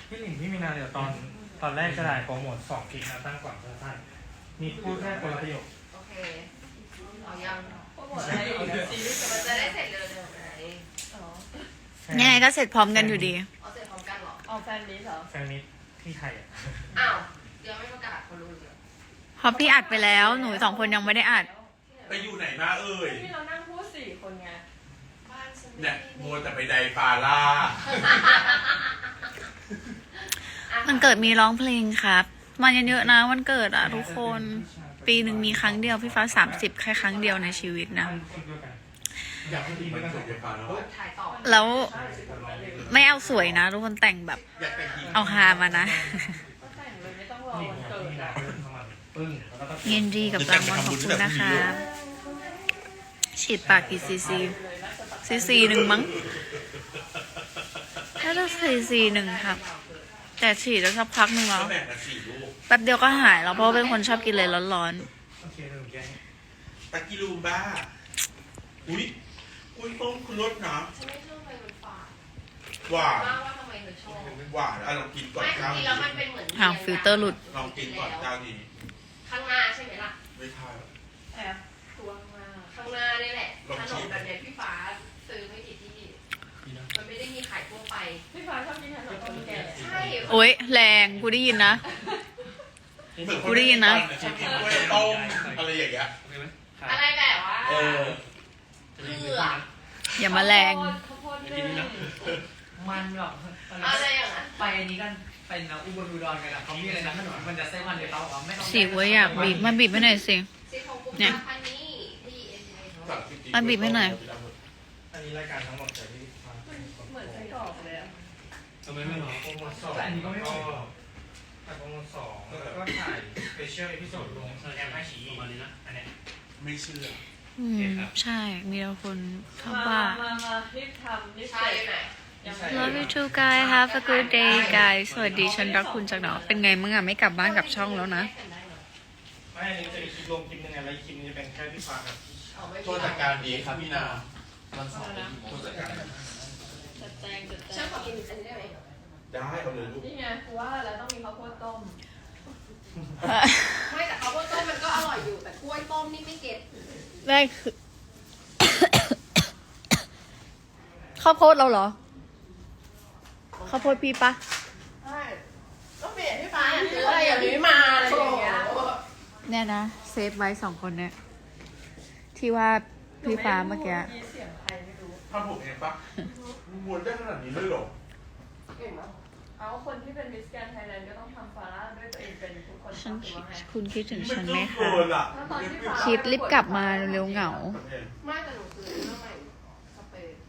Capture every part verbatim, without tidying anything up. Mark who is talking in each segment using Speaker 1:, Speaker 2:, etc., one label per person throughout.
Speaker 1: พี่หลิงพี่มีนาเดี๋ยวตอนตอนแรกจะได้โปรโมทสองคลิปนะตั้งก่อนสั้นๆมีพูดแค่คนละประโยค
Speaker 2: โอเคเอายังโปรโมทอะไรซีรีส์มันจะได้เสร็จเร็วๆไหนอ๋อ
Speaker 3: ยังไงก็เสร็จพร้อมกันอยู่ดี
Speaker 2: เอาเสร็จพร้อมกันเหรอ
Speaker 4: เอาแฟนมิตรเหรอ
Speaker 1: แฟนมิตที่ไทยอ่ะ
Speaker 2: อ้าวยังไม่ประกาศเขารู้เลย
Speaker 3: เพราะพี่อัดไปแล้วหนูสองคนยังไม่ได้อัด
Speaker 5: ไปอยู่ไหนมาเอ่ย
Speaker 4: ที่เรานั่งพูดสี่คนไง
Speaker 5: เนี่ยโมแต่ไปไดฟาร่า
Speaker 3: มันเกิดมีร้องเพลงครับมาเยอะๆนะวันเกิดอ่ะทุกคนปีหนึ่งมีครั้งเดียวพี่ฟ้าสามสิบแค่ครั้งเดียวในชีวิตนะ
Speaker 5: อยากให้ดีมันเกิดไดฟาร่า
Speaker 3: แล้วไม่เอาสวยนะทุกคนแต่งแบบเอาฮามานะยินดีกับรางวัลของคุณนะคะฉีดปากกี่ซีซีซีซีหนึ่งมั้งถ้าจะซีซีหนึ่งครับแต่ฉีดแล้วสักพักหนึ่งแล้วแป๊บเดียวก็หายแล้วเพราะเป็นคนชอบกินเลยร้อน
Speaker 5: ๆตะกิลูมบ้าอุ้ยอุ้ยต้องคุณรสนะ
Speaker 2: ฉันไม่ชอบไปมันฝาด
Speaker 5: หวาน
Speaker 2: ว่าทำไมเธอชอบ
Speaker 5: หวานอ่ะลองกินก่อน
Speaker 2: เจ้านี้แล้วมันเป็นเหมือน
Speaker 3: ห่างฟิลเตอร์หลุด
Speaker 5: ลองกินก่อนเจ้านี้
Speaker 2: ข้างหน้าใช่ไหมล่ะ
Speaker 5: ไม่ใช่
Speaker 4: แอบตัวข้างหน้า
Speaker 2: ข้างหน้านี่แหละขนมแบบเนี้ยพี่ฟ้าซื้อไม่กี่ที่มันไม่ได้มีขายทั่วไป
Speaker 4: พี่ฟ้าชอบกินขนมต้มแก่
Speaker 2: ใช่
Speaker 3: โอ๊ยแรงกูได้ยินนะกูได้ยินนะ
Speaker 5: กินกล้วยต้มอะไรอย่างเงี้ย
Speaker 2: อะไรแบบว่า
Speaker 5: เออ
Speaker 2: เกลือ
Speaker 3: อย่ามาแรง
Speaker 6: มันหรอก
Speaker 2: อะไรอย่างนั้น
Speaker 6: ไปอันนี้กันไปนะอุบลอุดรกันอะเขามีอะไรนะขนมมันจะเส้นวันเดียวเขาไม่ต้อง
Speaker 3: สิว่าอยากบีบมาบีบให้หน่อยสิเนี่ยมาบีบให้หน่อย
Speaker 1: อันนี้รายการทั้งหมดแต่ที่
Speaker 4: เหมือนไส้กรอกเลยอะ
Speaker 1: ทำไมไม่หรอโปรโมทสองอันนี้ก็ไม่หรอแต่โปรโมทสองแล้วก็ถ่ายสเปเชียลเอพิโซดลงแอปไอชีประมาณนี้นะอันนี้
Speaker 5: ไม่เชื่อ
Speaker 3: อืมใช่มีคนชอบว่า
Speaker 4: มามารีบทำรีบเสร็จ
Speaker 3: Love you too guys have a good day guys สวัสดีฉันรักคุณจากหนอเป็นไงมึงอ่ะไม่กลับบ้านกลับช่องแล้วนะ
Speaker 1: ไม่อันนี้จะมีคลิปลงคลิปนึงไงแล้วคลิปนี้จะเป็นแค่พี่ฟ้ากับ
Speaker 5: ช่วยจัดการดีครับพี่นาวันเสาร์ช่วยจัดการ
Speaker 4: จัดแจงจัดแจง
Speaker 2: ฉันขอกินอันนี้ได้ไหม
Speaker 5: ได้เอาเลยลูก
Speaker 4: นี่ไงกูว่าแล้วต้องมีข้าวโพดต้ม
Speaker 2: ไม่แต่ข้าวโพดต้มมันก็อร่อยอยู่แต่กล้วยต้มนี่ไม่เก็ต
Speaker 3: แรกคือข้าวโพดเราเหรอข้าวโพดพี่ปะ
Speaker 2: ใช่ก็เปลี่ยนพี่ฟ้าซื้ออะไรอย่างนี้มาอะไรอย่างเงี้ย
Speaker 3: เนี่ยนะเซฟไว้สองคนเนี่ยที่ว่าพี่ฟ้าเมื่อกี้
Speaker 5: ทำผมเองปะม้วนได้ขนาดนี้เลยหรอ
Speaker 2: เก่งมาก
Speaker 4: เอาคนที่เป็นมิสแกรนด์ไทยแลนด์ก็ต้องทำฟาร่าด้วยตัวเองเป็นทุกคน
Speaker 3: ฉันคุณคิดถึงฉันไหมคะ
Speaker 4: คิ
Speaker 3: ดรีบกลับมาเร็วเหงา
Speaker 2: ไม่แต่หนูซื้อเรื่องใหม่สเปรย์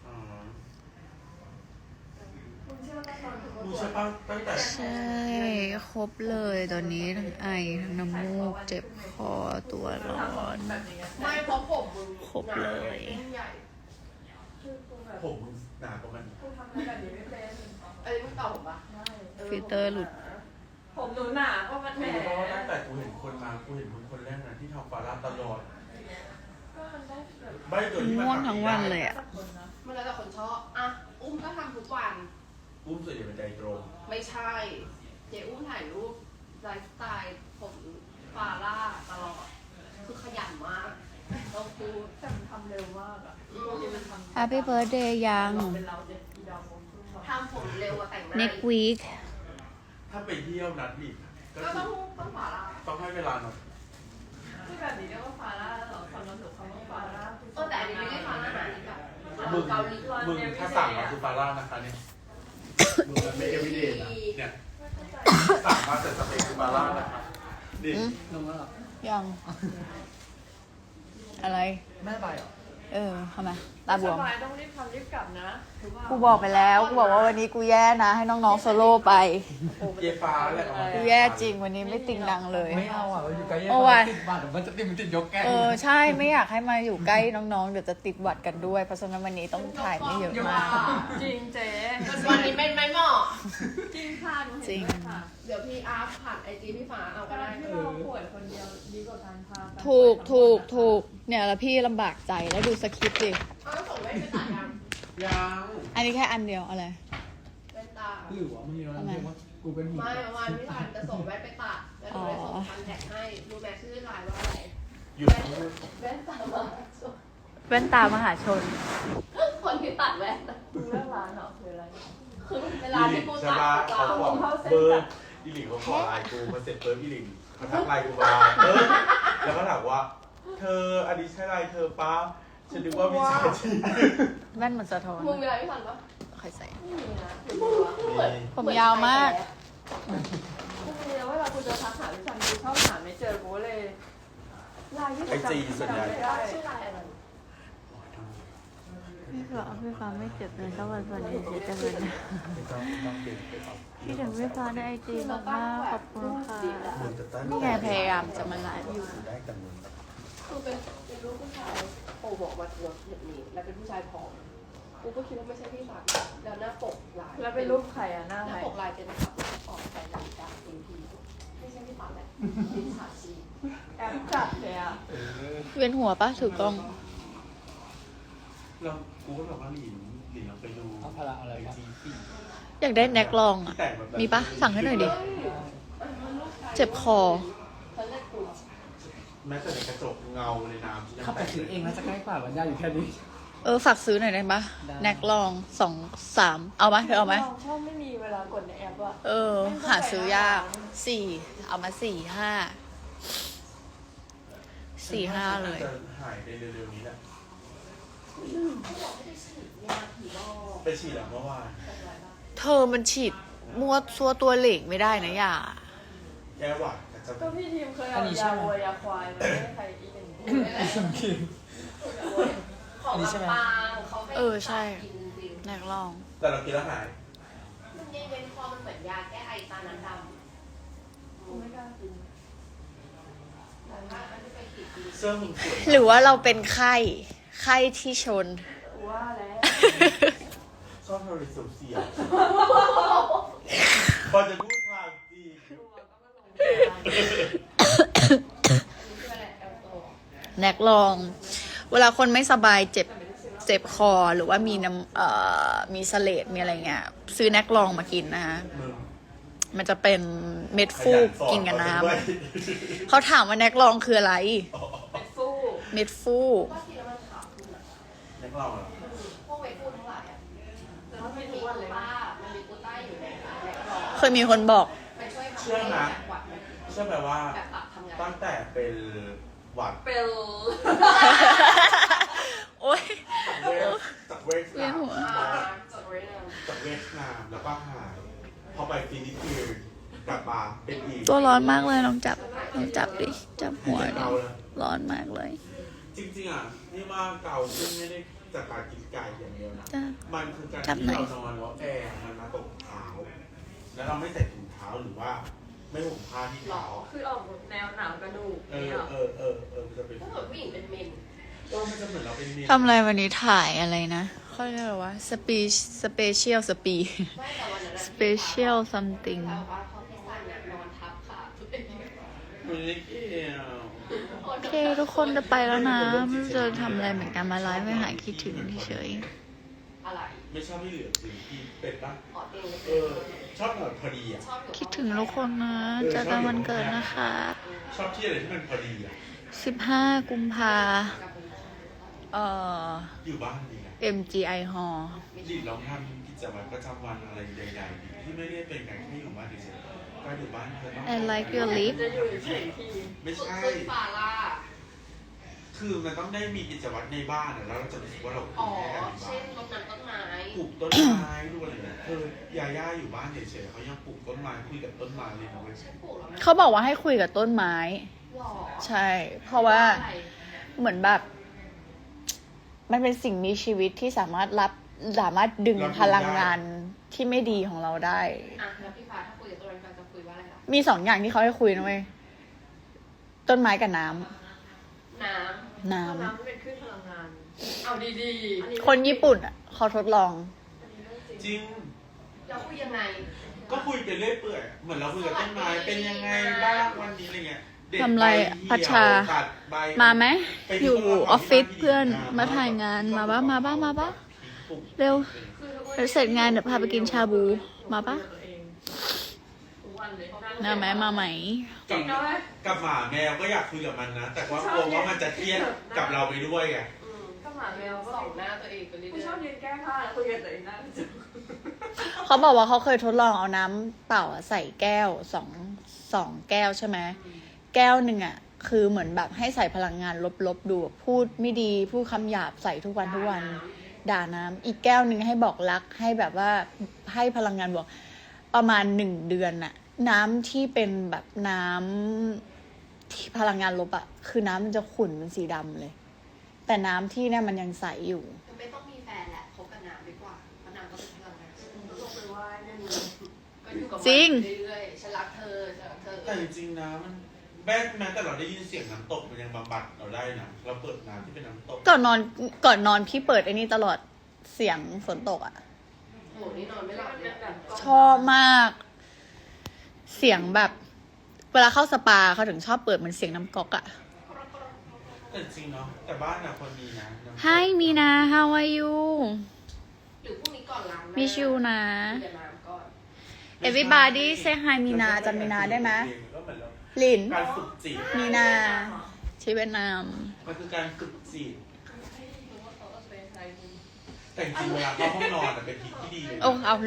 Speaker 3: ใช่ครบเลยตอนนี้ทั้งไอทั้งน้ำมูกเจ็บคอตัวร้อน
Speaker 2: ไม่เพราะผมมึง
Speaker 3: ครบเลย
Speaker 5: ผมมึงหนากว่ามัน
Speaker 4: กูทำแบบนี้ไม่เป็น
Speaker 2: เอ้ยมึงเก่าผมปะ
Speaker 3: ฟิลเตอร์หลุด
Speaker 4: ผมหนูหนาก็มันแหม
Speaker 5: เพราะว่าตั้งแต่กูเห็นคนมากูเห็นมึงคนแรกนะที่ทำฟาร่าตลอดไม่ตัวที่มัน
Speaker 3: ม่วงทั้งวันเลยอ่ะ
Speaker 2: มันแล้วแต่คนชอบอ่ะอุ้มก็ทำทุกวัน
Speaker 5: อุ้มส่วนใหญ่เป็นใจตรง
Speaker 2: ไม่ใช่เจ๊อุ้มถ่ายรูปไลฟ์สไตล์ผมฟาร่าตลอดคือขยันมากต้องพูด
Speaker 4: แต่มันทำเร็วมากอ่ะ
Speaker 3: Happy birthday ยัง
Speaker 2: ทำผมเร็วกว่าแต่งหน้า
Speaker 3: next week
Speaker 5: ถ้าไปเที่ยวนัดดิ
Speaker 2: ก็ต้องต้องฟาร่า
Speaker 5: ต้องให้เวลาหน่อย
Speaker 4: ที่แบบนี้เรียกว่าฟาร่าหรอความรู้สึกคำว่าฟาร่า
Speaker 2: เออแต่อันนี้ไม่ได้ฟาร่านะนี่แบบ
Speaker 5: มึงมึงถ้าสั่งมาคือฟาร่านะคะเนี่ยมึงมันไม่เอวิเดนนะเนี่ยสั่งมาเสร็จสเต็กคือฟาร่านะคะดิ
Speaker 6: ลงแล้วหรอ
Speaker 3: ยังอะไร
Speaker 6: แม่ไปเหรอ
Speaker 3: เออทำไมตาบวม
Speaker 4: ต้องรีบทำรีบกลับนะ
Speaker 3: กูบอกไปแล้วกูบอกว่าวันนี้กูแย่นะให้น้องๆโซโล่ไป
Speaker 5: เยฟ้าแหละ
Speaker 3: กูแย่จริงวันนี้ไม่ติงดังเลย
Speaker 6: ไม่เอาอ่ะอยู่ใกล้ติดบัตรมันจะติดมันติดยกแก้
Speaker 3: เออใช่ไม่อยากให้มาอยู่ใกล้น้องๆเดี๋ยวจะติดหวัดกันด้วยเพราะฉะนั้นวันนี้ต้องถ่ายไม่เยอะมาก
Speaker 4: จริงเจ๊
Speaker 2: วันนี้เป็นไม่เหมาะ
Speaker 4: จริงค่ะ
Speaker 3: จริง
Speaker 2: เดี๋ยวพี่อาร์ผ่านไอจีพี่ฟ้าเอาก็ได้
Speaker 4: ที่เราป่วยคนเดียวดีกว่าการพา
Speaker 3: ถูกถูกถูกเนี่ยแล้วพี่ลำบากใจแล้วดูสคริปต์ดิ
Speaker 2: เอาส่งไว้ไปตัดยัง
Speaker 5: ยัง
Speaker 3: อันนี้แค่อันเดียวอะไร
Speaker 2: ไปตัดตา
Speaker 7: หรือว่ามันมีร้านเรียกว่ากูเป็นหมู
Speaker 2: ไม่เมื่อวานพี่ทันจะส่งแว่นไปตัดแล้วหนูเลยส่งคอนแทคให้รู้ไหมชื่อไลน์ว่าอะไร
Speaker 5: หยุด
Speaker 2: แว่นตามาส่ง
Speaker 3: แว่นตามหาชน
Speaker 2: คนที่ตัดแว่นอะ
Speaker 4: มึงเลือกร้านเหรอคืออะไร
Speaker 2: คือเวลาที่กู
Speaker 5: ใช่
Speaker 2: ตัด
Speaker 5: ปะ
Speaker 2: เรา
Speaker 5: เขาบอกเบอร์อีหลิงเขาขอไลน์กูมาเสร็จเบอร์อีหลิงเขาทักไลน์กูมาเออแล้วก็ถามว่า เธออันนี้ใช่ไลน์เธอป้าฉันนึกว่ามิจฉาชีพ
Speaker 3: แว่นมันสะท้อน
Speaker 2: มึงมีอะไรพี่ทันปะ
Speaker 3: ใครใส่
Speaker 4: ไม่มีนะ
Speaker 2: มึงวะเหมือน
Speaker 3: ผมยาวมาก
Speaker 4: ไม่มีแล้วเวลากูจะทักหาพี่ชันกูชอบหาไม่เจอกูเลยไลน์ที่
Speaker 5: ไอจีส่วนใหญ่
Speaker 4: ไม่ได้
Speaker 2: ชื่อไลน์อะไร
Speaker 3: พี่ฟ้าพี่ฟ้าไม่เจ็บเลยสักวันวันนี้เจ็บจังเลยนะ
Speaker 5: ไม่ต้องต้องเปลี่ยนไปเอา
Speaker 3: พี่ถึงพี่ฟ้าในไอจีมากมากๆขอบคุณค่ะ
Speaker 5: มึงจะตั้ง
Speaker 3: นี่ไงพยายามจะมาไลฟ์อยู่
Speaker 5: ได้แต่มึง
Speaker 2: คือเป็นเป็นลูกผู้ชายโผล่บอกมาตัวแบบนี้แล้วเป็นผู้ชายผอมกูก็คิดว่าไม่ใช่พี่สันแล้วหน้าปกลาย
Speaker 4: แล้วเป็นรูปใครอะหน้า
Speaker 2: ห
Speaker 4: ใค
Speaker 2: น้าร ปกลายเป็นแบบออกไปนาฬิกาเอ็มพีไม่ใช่พี่สันแหละเป็นสาชี
Speaker 4: แอปจัดเลยอะ
Speaker 5: เออ
Speaker 3: เวียนหัวปะถือกล้อง
Speaker 5: เรากูก็แบบว่าหลินหลินเราไปดู
Speaker 7: เอาพละอะไร
Speaker 5: ไอ
Speaker 7: กัน
Speaker 5: จีพี่
Speaker 3: อยากได้แน็กลองอ่ะ
Speaker 5: แต่งแบบนั้น
Speaker 3: มีปะสั่งให้หน่อยดิ เจ็บคอ
Speaker 2: เขาเรียกกู
Speaker 5: แม้แต่ในกระจกเงาในน้ำที่ยัง
Speaker 7: เข้าไป
Speaker 5: แต่ง
Speaker 7: ซื้อเองแล้วจะใกล้กว่าวันยาอยู่แค่นี้
Speaker 3: เออฝากซื้อหน่อยได้ปะ
Speaker 7: ได้
Speaker 3: แน็กลองสองสามเอาไหมเธอเอาไหม
Speaker 4: ชอบไม่มีเวลากดในแอปอะ
Speaker 3: เออ หาซื้อยากสี่เอามาสี่ห้าสี่ห้าเลย
Speaker 5: จะหายไปเร็วๆนี้แหละ
Speaker 2: เขาบอกไม่ได้ฉีดยาผีบอก
Speaker 5: ไปฉีดแล้วเมื่อวาน
Speaker 3: เธอมันฉีดมัวซัวตัวเหล็กไม่ได้นะอย่า
Speaker 5: แก้หวัดแต่จะ
Speaker 4: ก็พี่ทีมเคยเอายาวัวยาควายมาให้ใครอีกหนึ่ง
Speaker 2: ของลำปางเขาให้
Speaker 3: เออใช่
Speaker 2: กินจริง
Speaker 3: แน็กลอง
Speaker 5: แต่เรากินแล้วหาย
Speaker 2: ๆมันเย็นๆคอมันเหมือนยาแก้ไอตาน้ำดำ
Speaker 4: กูไม่กล้ากิน
Speaker 2: แต่ว่าอันที่ไปฉีดจริง
Speaker 5: เสื้อมึงสวย
Speaker 3: หรือว่าเราเป็นไข้ไข้ที่ชน
Speaker 4: กูว่าแล้ว
Speaker 5: ชอบเธอเสียวเสียวพอจะพูดทางจี
Speaker 4: ตัวก็มาลง
Speaker 2: อันนี้คืออะไรแอลโต
Speaker 3: แน็กลอง เวลาคนไม่สบายเจ็บเจ็บคอหรือว่ามีน้ำเอ่อมีเสลดมีอะไรเงี้ย ซื้อแน็กลองมากินนะคะ
Speaker 5: มึง
Speaker 3: มันจะเป็นเม็ดฟูกกินกับน้
Speaker 5: ด้วย
Speaker 3: ำเขาถามว่าแน็กลองคืออะไร
Speaker 4: เป็นฟู
Speaker 3: เม็ดฟูก
Speaker 2: ว่ากินแล้วมันขาวขึ้นอะ
Speaker 5: นักเราเหรอ
Speaker 2: พวกเวทฟูดทั้งหลายอะ
Speaker 4: แล้ว
Speaker 2: มัน
Speaker 4: ไม่
Speaker 2: มี
Speaker 4: ทุก
Speaker 2: กู
Speaker 4: วันเลย
Speaker 2: ต้ามันมีกูต้าอยู่ในแล็กรอ
Speaker 3: เคยมีคนบอก
Speaker 2: ไปช่วยทำให้แบบหวัดมัน
Speaker 5: เชื่อไหมว่า
Speaker 2: แบบตับทำงาน
Speaker 5: ตั้งแต่เป็นหวัด
Speaker 4: เปล
Speaker 3: โอ๊ย
Speaker 5: เวสจากเวส
Speaker 3: เวียนหัว
Speaker 2: อ่าจดไว้เลย
Speaker 5: จากเวสนามแล้วก็หายพอไปฟิลิปปินส์กลับมาเป็นอีก
Speaker 3: ตัวร้อนมากเลยลองจับลองจับดิ จับหัวดิ
Speaker 5: เกาเลย
Speaker 3: ร้อนมากเลย
Speaker 5: จริงๆอ่ะนี่ว่าเกาซึ่งไม่ได้จากการกินไก่อย่างเดียวนะ
Speaker 3: จ้ะ
Speaker 5: มันคือการ
Speaker 3: จับ
Speaker 5: ที่
Speaker 3: หน่อย
Speaker 5: เรานอนแล้วแอร์มันมาตกเท้า แล้วเราไม่ใส่ถุงเท้าหรือว่า ไม่ห่มผ้าที่เท้า
Speaker 4: คือออกแนวหนาวกระดูก
Speaker 5: เอ
Speaker 4: เนี่
Speaker 5: อย เออเออเออมันจะเป็น
Speaker 2: ถ้าเกิดผู้หญิงเป็นเมน
Speaker 5: เออมันจะเหมือนเราเป็นเมน
Speaker 3: ทำอะไรวันนี้ถ่ายอะไรนะเขาเรียกอะไรวะ สปีสเปเชียลสปี
Speaker 2: ไม่แต่วันนั้น
Speaker 3: สเปเชียลซัมติง
Speaker 2: แต่ว่าเขาพี่ซันเนี่ยนอนทับขาตัวเอง
Speaker 5: มันไม่เกี่ยว
Speaker 3: โอเค ทุกคนจะไปแล้วนะไม่รู้จะทำอะไรเหมือนกันมาไลฟ์ไม่หายคิดถึงเฉย
Speaker 2: อะไร
Speaker 5: ไม่ชอบให้เหลือถึงที่เป็นปะ
Speaker 2: ขอเตียง
Speaker 5: เออ ชอบแบบพอดีอ่ะ
Speaker 2: ชอบอยู่
Speaker 3: ๆคิดถึงทุกคนนะเจอกันวันเกิดนะคะ
Speaker 5: ชอบที่อะไรที่มันพอดีอ่ะ
Speaker 3: สิบห้ากุมภาเอ่อ
Speaker 5: อยู่บ้านดีนะ
Speaker 3: เอ็ม จี ไอ Hall
Speaker 5: ดิลองทำกิจวัตรประจำวันอะไรใดๆดีที่ไม่ได้เป็นการแค่อยู่บ้านเฉยๆก็อยู่บ้านเธอต้อง
Speaker 3: I like your lip
Speaker 4: จะอยู่เฉยๆที
Speaker 5: ไม่ใช่
Speaker 2: คือฟาร่า
Speaker 5: คือมันต้องได้มีกิจวัตรในบ้านอะแล้วเราจะรู้สึกว่าเรา
Speaker 2: อ๋อ
Speaker 5: แค่อยู่บ้า
Speaker 2: เช่น
Speaker 5: น
Speaker 2: รดน้ำต้นไม้
Speaker 5: ปลูกต้นไม้ดูอะไรเนี่ยคือยาย่าอยู่บ้านเฉยๆเขายังปลูกต้นไม้คุยกับต้นไม้เลยนะเว้ย
Speaker 2: ฉันปลูกแล้วนะ
Speaker 3: เขาบอกว่าให้คุยกับต้นไม้
Speaker 2: หล่อ
Speaker 3: ใช่ เพราะว่า
Speaker 2: อะไร
Speaker 3: เหมือนแบบ มันเป็นสิ่งมีชีวิตที่สามารถรับสามารถดึงพลังงานที่ไม่ดีของเราได้
Speaker 2: อ่ะแล้วพี่ฟ้าถ้าคุยกับต้นไม้ฟ้าจะคุยว่าอะไรล่ะ
Speaker 3: มีสองอย่างที่เขาให้คุยนะเว้ยต้นไม้กับน้ำ
Speaker 2: น้
Speaker 3: น้
Speaker 4: น้ำมันเป็นคลื่นพลังงาน เอาดีๆอันนี้
Speaker 3: ำคนญี่ปุ่นอ่ะเขาทดลอง
Speaker 4: อันนี้เรื่องจริง
Speaker 5: จริง
Speaker 2: ำเราคุยยังไง
Speaker 5: ก็คุยไปเรื่อยเปื่อยเหมือนเราคุยกับต้นไม้เป็นยังไงบ้างวันนี้อะไรเงี้ยเด็ด
Speaker 3: ทำไร
Speaker 5: ใบเหี่ยว
Speaker 3: พัชชา
Speaker 5: ตัดใบ
Speaker 3: มาไหม
Speaker 5: ไป
Speaker 3: อยู่
Speaker 5: ที่ต้นไม้
Speaker 3: ออฟฟิศ
Speaker 5: ที่
Speaker 3: เพื่อน
Speaker 5: บ้
Speaker 3: มาถ่ายงานมาบ้ามาบ้ามาบ้า เร็ว
Speaker 2: คือทุกวัน
Speaker 3: แล้วเสร็จงานเดี๋ยวพาไปกินชาบู มาปะ
Speaker 4: ทุกวันเลย
Speaker 3: มาไหมมาไหม
Speaker 5: กับกับหมาแมวก็อยากคุยกับมันนะ แต่ว่ากลัวว่ามันจะเครียดกับเราไปด้วยไง
Speaker 4: ก็หมาแมวก็
Speaker 2: ส่องหน้าตัวเองไปเรื่
Speaker 4: กูชอ
Speaker 2: อบ ย
Speaker 4: ยืนแก้ผ้าแล้วคุยกับตัวเองหน้าจอ
Speaker 3: เขาบอกว่าเขาเคยทดลองเอาน้ำเปล่าอะใส่แก้วสองสองแก้วใช่ไหมแก้วหนึ่งอ่ะ คือเหมือนแบบให้ใส่พลังงานลบๆดูแบบพูดไม่ดีพูดคำหยาบใส่ทุกวันทุกวัน ด่าน้ำอีกแก้วหนึ่งให้บอกรักให้แบบว่าให้พลังงานบวกประมาณหนึ่งเดือนน่ะ น้ำที่เป็นแบบน้ำที่พลังงานลบอะคือน้ำมันจะขุ่นเป็นสีดำเลย แต่น้ำที่เนี่ยมันยังใสอยู่
Speaker 2: ๆไม่ต้องมีแฟนแหละคบกับน้ำดีกว่าเพราะน้ำก็เป็นพลังงาน
Speaker 4: ลงไปไหว้เนี่ยมึง
Speaker 2: ก็อยู่กับมัน
Speaker 3: จริง
Speaker 2: เรื่อยๆฉันรักเธอฉันรักเธอ
Speaker 5: แต่จริงๆนะมันแม้แม้แต่เราได้ยินเสียงน้ำตกมันยังบำบัดเราได้นะเราเปิดน้ำที่เป็นน้ำตก
Speaker 3: ก่อนนอนก่อนนอนพี่เปิดไอ้นี่ตลอดเสียงฝนตกอะ
Speaker 2: โหนี่นอนไม่หลับเลย
Speaker 3: ชอบมาก เสียงแบบ เวลาเข้าสปาเขาถึงชอบเปิดเหมือนเสียงน้ำก๊อกอะ
Speaker 5: แต่จริงเนาะแต่บ้านน่ะคนมีนะน้ำตก
Speaker 3: Hi Mina how are you
Speaker 2: หรือพรุ่งนี้ก่อนล้างหน้า
Speaker 3: มิชิวนะ
Speaker 2: คุยกับน้ำก่อน
Speaker 3: Everybody say hi Mina จำ Mina ได้ไหม
Speaker 5: ก็เหมือนเรา
Speaker 3: ลิน
Speaker 5: การฝึกจิต
Speaker 3: Mina ชื่อเวียดนาม
Speaker 5: มันคือการฝึกจิต
Speaker 2: รู้ว่าเขาเอาเป็นใครมึง
Speaker 5: แต่จริงๆเวลาเข้าห้องนอนอะเป็นทีที่ดีเลยนะ
Speaker 3: โอ้เอา